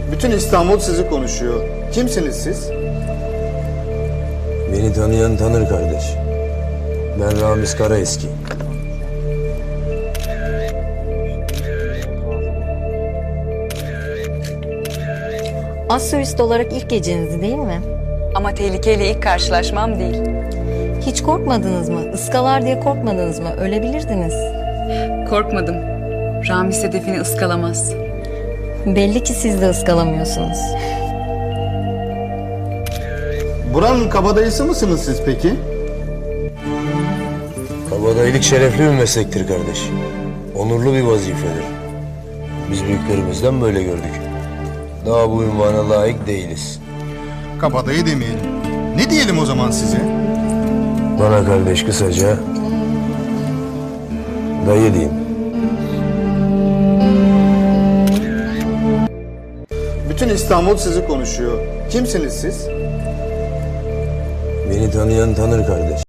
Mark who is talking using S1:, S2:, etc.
S1: Bütün İstanbul sizi konuşuyor. Kimsiniz siz?
S2: Beni tanıyan tanır kardeş. Ben Ramiz Karaeski.
S3: Astrolist olarak ilk gecenizi değil mi?
S4: Ama tehlikeyle ilk karşılaşmam değil.
S3: Hiç korkmadınız mı? Iskalar diye korkmadınız mı? Ölebilirdiniz.
S4: Korkmadım. Ramiz hedefini ıskalamaz.
S3: Belli ki siz de ıskalamıyorsunuz.
S1: Buranın kabadayısı mısınız siz peki?
S2: Kabadayılık şerefli bir meslektir kardeş. Onurlu bir vazifedir. Biz büyüklerimizden böyle gördük. Daha bu ünvana layık değiliz.
S1: Kabadayı demeyelim. Ne diyelim o zaman size?
S2: Bana kardeş kısaca dayı diyeyim.
S1: Bütün İstanbul sizi konuşuyor. Kimsiniz siz?
S2: Beni tanıyan tanır kardeş.